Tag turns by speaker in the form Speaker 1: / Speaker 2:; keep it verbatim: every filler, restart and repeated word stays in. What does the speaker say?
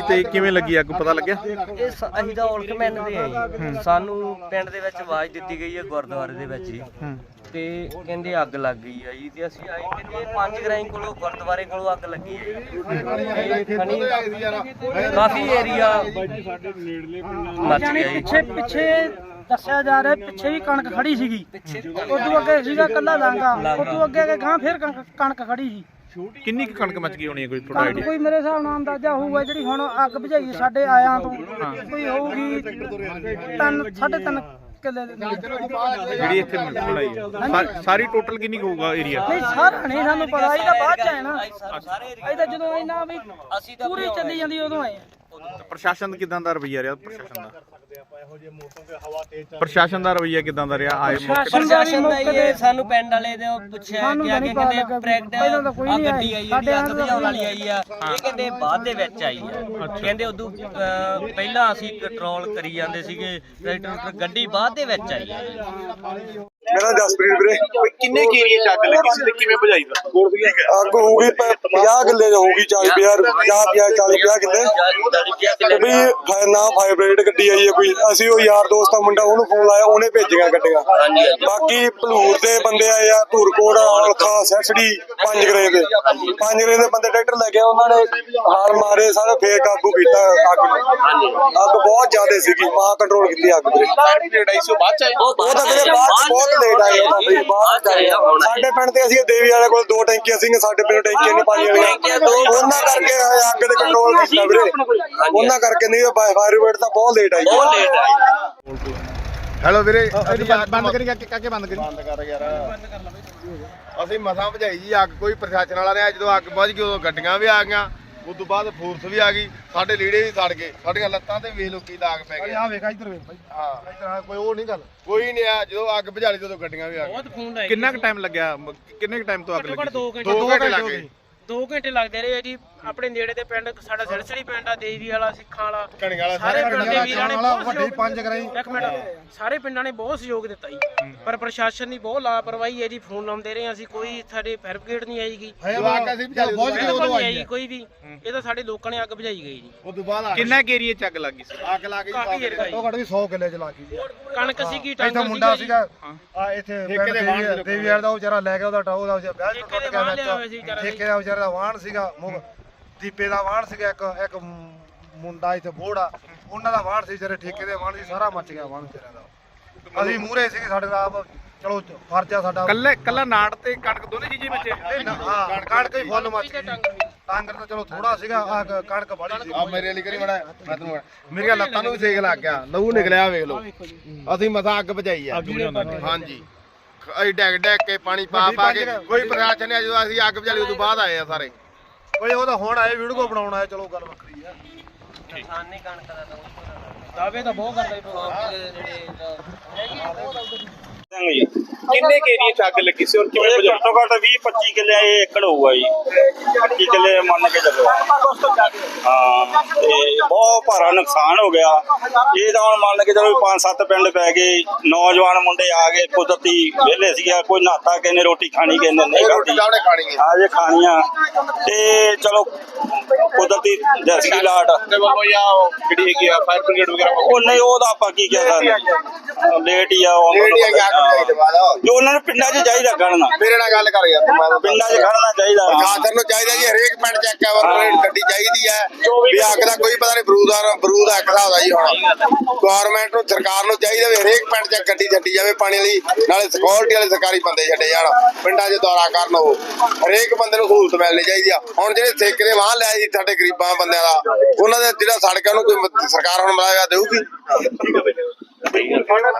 Speaker 1: ਤੇ ਕਿਵੇਂ ਲੱਗੀ ਅੱਗ ਪਤਾ ਲੱਗਿਆ?
Speaker 2: ਇਹ ਅਸੀਂ ਤਾਂ ਔਲਖਮੈਨ ਦੇ ਆ ਜੀ। ਸਾਨੂੰ ਪਿੰਡ ਦੇ ਵਿੱਚ ਆਵਾਜ਼ ਦਿੱਤੀ ਗਈ ਹੈ ਗੁਰਦੁਆਰੇ ਦੇ ਵਿੱਚ ਜੀ, ਤੇ ਕਹਿੰਦੇ ਅੱਗ ਲੱਗ ਗਈ ਆ ਜੀ। ਤੇ ਅਸੀਂ ਆਏ ਕਹਿੰਦੇ ਪੰਜ ਗਰਾਈ ਕੋਲੋਂ ਗੁਰਦੁਆਰੇ ਕੋਲੋਂ ਅੱਗ ਲੱਗੀ ਹੈ ਜੀ। ਕਾਫੀ ਏਰੀਆ ਮੱਚ ਗਿਆ ਜੀ।
Speaker 3: ਪਿੱਛੇ ਪਿੱਛੇ ਦੱਸਿਆ ਜਾ ਰਿਹਾ ਪਿੱਛੇ ਵੀ ਕਣਕ ਖੜੀ ਸੀਗੀ, ਉਦੋਂ ਅੱਗੇ ਸੀਗਾ ਕੱਲਾ ਲਾਂਗਾ, ਉਦੋਂ ਅੱਗੇ ਅੱਗੇ ਗਾਂ ਫੇਰ ਕਣਕ ਕਣਕ ਖੜੀ ਸੀ।
Speaker 1: ਕਿੰਨੀ ਕੁ ਕਣਕ ਮੱਚ ਗਈ ਹੋਣੀ ਹੈ ਕੋਈ ਥੋੜਾ
Speaker 3: ਕਣਕ
Speaker 1: ਆਈਡੀਆ?
Speaker 3: ਕੋਈ ਮੇਰੇ ਹਿਸਾਬ ਨਾਲ ਅੰਦਾਜ਼ਾ ਹੋਊਗਾ ਜਿਹੜੀ ਹੁਣ ਅੱਗ ਬੁਝਾਈ ਸਾਡੇ ਆਇਆਂ ਤੋਂ ਕੋਈ ਹੋਊਗੀ ਤਿੰਨ ਸਾਢੇ ਤਿੰਨ ਕਿੱਲੇ ਦੇ
Speaker 1: ਜਿਹੜੀ ਇੱਥੇ ਬਣਾਈ ਹੈ ਸਾ- ਸਾਰੀ ਟੋਟਲ ਕਿੰਨੀ ਕੁ ਹੋਊਗਾ ਏਰੀਆ?
Speaker 3: ਨਹੀਂ ਸਾਰਾ ਨਹੀਂ ਸਾਨੂੰ ਪਤਾ, ਇਹ ਤਾਂ ਬਾਅਦ ਚ ਆਏ ਨਾ। ਇਹ ਤਾਂ ਜਦੋਂ ਇਹਨਾਂ ਵੀ ਪੂਰੀ ਚੱਲੀ ਜਾਂਦੀ ਉਦੋਂ ਆਏ ਆ।
Speaker 1: ਪ੍ਰਸ਼ਾਸਨ ਕਿਦਾਂ ਦਾ ਰਵੱਈਆ ਰਿਹਾ? ਪ੍ਰਸ਼ਾਸਨ ਦਾ ਪ੍ਰਸ਼ਾਸਨ ਦਾ ਰਵੱਈਆ ਕਿਦਾਂ ਦਾ ਰਿਹਾ? ਆਏ ਮੌਕੇ ਤੇ?
Speaker 2: ਪ੍ਰਸ਼ਾਸਨ ਦਾ ਇਹ ਸਾਨੂੰ ਪਿੰਡ ਵਾਲੇ ਦੇ ਪੁੱਛਿਆ ਕਿ ਆ ਕੇ ਕਹਿੰਦੇ ਪ੍ਰੈਕਟ ਆ ਗੱਡੀ ਆਈ ਜਿਹੜੀ ਅੱਗ ਬੁਝਾਉਣ ਵਾਲੀ ਆਈ ਆ, ਇਹ ਕਹਿੰਦੇ ਬਾਅਦ ਦੇ ਵਿੱਚ ਆਈ ਆ। ਕਹਿੰਦੇ ਉਦੋਂ ਅਹ, ਪਹਿਲਾਂ ਅਸੀਂ ਕੰਟਰੋਲ ਕਰੀ ਜਾਂਦੇ ਸੀਗੇ ਟਰੈਕਟਰ, ਗੱਡੀ ਬਾਅਦ ਦੇ ਵਿੱਚ ਆਈ ਆ।
Speaker 4: ਮੇਰਾ ਜਸਪ੍ਰੀਤ ਵੀਰੇ।
Speaker 1: ਕਿੰਨੇ ਕੀ ਏਰੀਆ ਚ ਅੱਗ ਲੱਗੀ ਸੀ ਤੇ ਕਿਵੇਂ ਬੁਝਾਈ ਦਾ?
Speaker 4: ਅੱਗ ਹੋਊਗੀ ਪੰਜਾਹ ਕਿੱਲੇ ਹੋਊਗੀ, ਚਾਲੀ ਪੰਜਾਹ ਪੰਜਾਹ ਪੰਜਾਹ ਚਾਲੀ ਪੰਜਾਹ ਕਿੱਲੇ ਵੀ ਨਾ ਫਾਇਰ ਗੱਡੀ ਆਈ ਹੈ ਕੋਈ। ਅਸੀਂ ਉਹ ਯਾਰ ਦੋਸਤ ਦਾ ਮੁੰਡਾ ਉਹਨੂੰ ਫੋਨ ਲਾਇਆ, ਉਹਨੇ ਭੇਜੀਆਂ ਗੱਡੀਆਂ। ਬਾਕੀ ਭਲੂਰ ਦੇ ਬੰਦੇ ਆਏ ਆ, ਧੂਰਕੋਟ, ਔਲਖਾ, ਸੈਸੜੀ, ਪੰਜ ਗਰੇ ਦੇ ਪੰਜ ਗਰੇ ਦੇ ਬੰਦੇ ਟਰੈਕਟਰ ਲੈ ਕੇ ਉਹਨਾਂ ਨੇ ਹਾਰ ਮਾਰੇ ਸਾਰੇ, ਫੇਰ ਕਾਬੂ ਕੀਤਾ ਅੱਗ ਨੂੰ। ਅੱਗ ਬਹੁਤ ਜ਼ਿਆਦਾ ਸੀਗੀ, ਮਾਂ ਕੰਟਰੋਲ ਕੀਤੀ ਅੱਗ ਵੀਰੇ। ਉਹ ਤਾਂ ਵੀਰੇ ਬਾਅਦ ਬਹੁਤ ਲੇਟ ਆਏ ਉਹਨਾਂ ਦੇ ਬਾਅਦ ਆਏ। ਸਾਡੇ ਪਿੰਡ ਤੇ ਅਸੀਂ ਦੇਵੀ ਵਾਲੇ ਕੋਲ ਦੋ ਟੈਂਕੀਆਂ ਸੀਗੀਆਂ, ਸਾਡੇ ਪਿੰਡ ਟੈਂਕੀਆਂ ਨਹੀਂ ਪਾਣੀ ਵਾਲੀਆਂ, ਉਹਨਾਂ ਕਰਕੇ ਅੱਗ ਦੇ ਕੰਟਰੋਲ ਕੀਤਾ ਵੀਰੇ। ਉਹਨਾਂ ਕਰਕੇ ਨਹੀਂ ਫਾਇਰ ਬ੍ਰਿਗੇਡ ਤਾਂ ਬਹੁਤ ਲੇਟ ਆਈ। ਬਹੁਤ ਲੇਟ ਆਈ।
Speaker 5: ਹੈਲੋ ਵੀਰੇ, ਬੰਦ ਕਰੀ ਕਾਕੇ, ਬੰਦ ਕਰੀ ਬੰਦ ਕਰ ਯਾਰ। ਅਸੀਂ ਮਸਾਂ ਭਜਾਈ ਜੀ ਅੱਗ, ਕੋਈ ਪ੍ਰਸ਼ਾਸਨ ਵਾਲਾ ਰਿਹਾ। ਜਦੋਂ ਅੱਗ ਬੁਝ ਗਈ ਉਦੋਂ ਗੱਡੀਆਂ ਵੀ ਆ ਗਈਆਂ, ਉਸ ਤੋਂ ਬਾਅਦ ਫੋਰਸ ਵੀ ਆ ਗਈ, ਸਾਡੇ ਲੀੜੇ ਵੀ ਸੜ ਗਏ, ਸਾਡੀਆਂ ਲੱਤਾਂ ਤੇ ਵੇਖ ਲੋ ਕੀ ਦਾਗ ਪੈ ਗਏ।
Speaker 4: ਆ ਵੇਖ ਇੱਧਰ ਵੇਖ ਭਾਈ,
Speaker 5: ਹਾਂ
Speaker 4: ਇੱਧਰ ਕੋਈ ਉਹ ਨਹੀਂ ਗੱਲ,
Speaker 5: ਕੋਈ ਨਹੀਂ ਆ। ਜਦੋਂ ਅੱਗ ਬੁਝਾਲੀ ਜਦੋਂ ਗੱਡੀਆਂ ਵੀ ਆ ਗਈਆਂ।
Speaker 1: ਕਿੰਨਾ ਕੁ ਟਾਈਮ ਲੱਗਿਆ? ਕਿੰਨੇ ਕੁ ਟਾਈਮ ਤੋਂ ਅੱਗ ਲੱਗੀ?
Speaker 3: ਦੋ
Speaker 5: ਦੋ ਘੰਟੇ ਲੱਗ ਗਏ।
Speaker 3: ਦੋ ਘੰਟੇ ਲੱਗਦੇ ਰਹੇ ਜੀ। ਆਪਣੇ ਨੇੜੇ ਦੇ ਪਿੰਡ ਸਾਡਾ ਸਿਰਸੜੀ ਪਿੰਡ ਆ, ਦੇਵੀ ਵਾਲਾ, ਸਿੱਖਾਂ ਵਾਲਾ,
Speaker 5: ਕਣੀਆਂ ਵਾਲਾ
Speaker 3: ਸਾਰੇ ਪਿੰਡ ਦੇ ਵੀਰਾਂ ਨੇ ਬਹੁਤ
Speaker 4: ਵੱਡੀ ਪੰਜ ਕਰਾਈ।
Speaker 3: ਇੱਕ ਮਿੰਟ, ਸਾਰੇ ਪਿੰਡਾਂ ਨੇ ਬਹੁਤ ਸਹਿਯੋਗ ਦਿੱਤਾ ਜੀ, ਪਰ ਪ੍ਰਸ਼ਾਸਨ ਦੀ ਬਹੁਤ ਲਾਪਰਵਾਹੀ ਹੈ ਜੀ। ਫੋਨ ਲਾਉਂਦੇ ਰਹੇ ਅਸੀਂ, ਕੋਈ ਸਾਡੇ ਫਾਇਰ ਬ੍ਰਿਗੇਡ ਨਹੀਂ ਆਈਗੀ, ਕੋਈ ਵੀ। ਇਹ ਤਾਂ ਸਾਡੇ ਲੋਕਾਂ ਨੇ ਅੱਗ ਬੁਝਾਈ ਗਈ ਜੀ।
Speaker 5: ਉਸ ਤੋਂ ਬਾਅਦ
Speaker 1: ਕਿੰਨਾ ਕੁ ਏਰੀਆ ਚ ਅੱਗ ਲੱਗੀ ਸੀ?
Speaker 5: ਅੱਗ ਲਾ ਕੇ
Speaker 3: ਕਾਫੀ ਏਰੀਆ
Speaker 4: ਉਹ ਘੱਟ ਵੀ ਸੌ ਕਿੱਲੇ ਚ ਲੱਗੀ ਜੀ।
Speaker 3: ਕਣਕ ਸੀਗੀ,
Speaker 4: ਇੱਥੇ
Speaker 3: ਟਾਂਗਰ
Speaker 4: ਮੁੰਡਾ
Speaker 3: ਸੀਗਾ
Speaker 4: ਸੀਗਾ ਆ ਇੱਥੇ ਪਿੰਡ ਦੇਵੀ ਦੇਵੀ ਵਾਲਾ ਦਾ, ਉਹ ਵਿਚਾਰਾ ਲੈ ਗਿਆ ਉਹਦਾ ਟਾਉ ਦਾ ਵਿਆਹ
Speaker 3: ਠੇਕੇ
Speaker 4: ਟੁੱਟ
Speaker 3: ਦੇ
Speaker 4: ਗਿਆ
Speaker 3: ਵਾਹਣ ਲਿਆ ਹੋਇਆ ਸੀ ਵਿਚਾਰਾ।
Speaker 4: ਠੇਕੇ ਦਾ ਵਿਚਾਰਾ ਦਾ ਵਾਹਣ ਸੀਗਾ, ਮੁਗ ਦੀਪੇ ਦਾ ਵਾਹਣ ਸੀਗਾ, ਇੱਕ ਇੱਕ ਮੁੰਡਾ ਇੱਥੇ ਬੋੜਾ ਉਹਨਾਂ ਦਾ ਵਾਹਣ ਸੀ ਵਿਚਾਰੇ, ਠੇਕੇ ਦੇ ਵਾਹਣ ਸੀ, ਸਾਰਾ ਮੱਚ ਗਿਆ ਵਾਹਣ ਵਿਚਾਰਿਆਂ ਦਾ। ਅਸੀਂ ਮੂਹਰੇ ਸੀਗੇ, ਸਾਡੇ ਦਾ ਆਪ ਚਲੋ ਫਰਜ਼ ਆ ਸਾਡਾ।
Speaker 1: ਕੱਲੇ ਕੱਲਾ ਨਾੜ ਤੇ ਕਣਕ ਦੋਨੇ ਚੀਜ਼ਾਂ ਵਿੱਚ?
Speaker 4: ਹਾਂ ਕਣਕ ਹੀ ਫੁੱਲ ਮੱਚ ਗਈ। ਟਾਂਗਰ ਤਾਂ ਚਲੋ ਥੋੜਾ ਸੀਗਾ, ਆ ਕਣਕ ਬੜੀ ਸੀ।
Speaker 5: ਆ ਮੇਰੇ ਲਈ ਕਰੀ ਮੜਾ, ਮੈਂ ਤੈਨੂੰ ਮੇਰੀਆਂ ਲੱਤਾਂ ਨੂੰ ਵੀ ਸੇਕ ਲੱਗ ਗਿਆ, ਲਹੂ ਨਿਕਲਿਆ ਵੇਖ ਲਓ। ਅਸੀਂ ਮਸਾਂ ਅੱਗ ਬੁਝਾਈ ਆ। ਹਾਂਜੀ, ਅਸੀਂ ਡੈਗ ਡੈਗ ਕੇ ਪਾਣੀ ਪਾ ਪਾ ਕੇ, ਕੋਈ ਪ੍ਰਸ਼ਾਸਨ ਨਹੀਂ। ਜਦੋਂ ਅਸੀਂ ਅੱਗ ਬੁਝਾਲੀ ਉਦੋਂ ਬਾਅਦ ਆਏ ਆ ਸਾਰੇ।
Speaker 4: ਕੋਈ ਉਹ ਤਾਂ ਹੁਣ ਆਏ ਵੀਡੀਓ ਬਣਾਉਣ ਆਏ, ਚਲੋ ਗੱਲ ਵੱਖਰੀ ਆ।
Speaker 2: ਨੁਕਸਾਨ ਨਹੀਂ ਕਣਕ ਦਾ ਤਾਂ
Speaker 3: ਦਾਅਵੇ ਤਾਂ ਬਹੁਤ ਕਰਦਾ ਜੀ
Speaker 2: ਜਿਹੜੇ
Speaker 1: ਕਿੰਨੇ ਕੇ ਏਰੀਆ ਚ ਅੱਗ ਲੱਗੀ ਸੀ ਔਰ ਕਿਵੇਂ ਬੁਝਾਈ?
Speaker 6: ਘੱਟੋ ਘੱਟ ਵੀਹ ਪੱਚੀ ਕਿੱਲੇ ਏਕੜ ਹੋਊਗਾ ਜੀ, ਪੱਚੀ ਕਿੱਲੇ ਮੰਨ ਕੇ ਚੱਲੋ। ਹਾਂ, ਤੇ ਬਹੁਤ ਭਾਰਾ ਨੁਕਸਾਨ ਹੋ ਗਿਆ। ਇਹ ਤਾਂ ਹੁਣ ਮੰਨ ਕੇ ਚਲੋ ਪੰਜ ਸੱਤ ਪਿੰਡ ਪੈ ਗਏ, ਨੌਜਵਾਨ ਮੁੰਡੇ ਆ ਗਏ, ਕੁਦਰਤੀ ਵਿਹਲੇ ਸੀਗਾ, ਕੋਈ ਨਹਾਤਾ, ਕਿਸੇ ਨੇ ਰੋਟੀ ਖਾਣੀ, ਕਿਸੇ ਨੇ ਨਹੀਂ ਖਾਧੀ, ਆ ਜੇ ਖਾਣੀਆਂ। ਤੇ ਚਲੋ ਕੁਦਰਤੀ ਦੇਸੀ ਲਾਟ
Speaker 5: ਜਿਹੜੀ ਹੈਗੀ ਆ ਫਾਇਰ ਬ੍ਰਿਗੇਡ ਵਗੈਰਾ,
Speaker 6: ਉਹ ਨਹੀਂ, ਉਹਦਾ ਆਪਾਂ ਕੀ ਕਹਿ ਸਕਦੇ, ਲੇਟ ਹੀ ਆ ਉਹ। ਜੋ ਉਹਨਾਂ ਨੂੰ ਪਿੰਡਾਂ 'ਚ ਚਾਹੀਦਾ ਖੜਨਾ,
Speaker 5: ਮੇਰੇ ਨਾਲ ਗੱਲ ਕਰ ਯਾਰ।
Speaker 6: ਪਿੰਡਾਂ 'ਚ ਖੜਨਾ ਚਾਹੀਦਾ।
Speaker 5: ਪ੍ਰਸ਼ਾਸਨ ਨੂੰ ਚਾਹੀਦਾ ਜੀ, ਹਰੇਕ ਪਿੰਡ ਚ ਇੱਕ ਗੱਡੀ ਚਾਹੀਦੀ ਹੈ ਵੀ ਅੱਗ ਦਾ ਕੋਈ ਪਤਾ ਨਹੀਂ, ਬਰੂਦਾਰ ਬਰੂਦ ਅੱਗ ਦਾ ਹੁੰਦਾ ਜੀ। ਹੁਣ ਗਵਰਨਮੈਂਟ ਨੂੰ, ਸਰਕਾਰ ਨੂੰ ਚਾਹੀਦਾ ਵੀ ਹਰੇਕ ਪਿੰਡ ਚ ਗੱਡੀ ਛੱਡੀ ਜਾਵੇ ਪਾਣੀ ਲਈ, ਨਾਲੇ ਸਿਕਿਉਰਿਟੀ ਵਾਲੇ ਸਰਕਾਰੀ ਬੰਦੇ ਛੱਡੇ ਜਾਣ, ਪਿੰਡਾਂ 'ਚ ਦੌਰਾ ਕਰਨ। ਉਹ ਹਰੇਕ ਬੰਦੇ ਨੂੰ ਸਹੂਲਤ ਮਿਲਣੀ ਚਾਹੀਦੀ ਆ। ਹੁਣ ਜਿਹੜੇ ਠੇਕੇ ਦੇ ਵਾਹਨ ਲਿਆ ਜੀ ਸਾਡੇ ਗਰੀਬਾਂ ਬੰਦਿਆਂ ਦਾ, ਉਹਨਾਂ ਦੇ ਜਿਹੜਾ ਸੜਕਾਂ ਨੂੰ ਕੋਈ ਸਰਕਾਰ ਹੁਣ ਮਿਲਾਇਆ ਦੇਊਗੀ।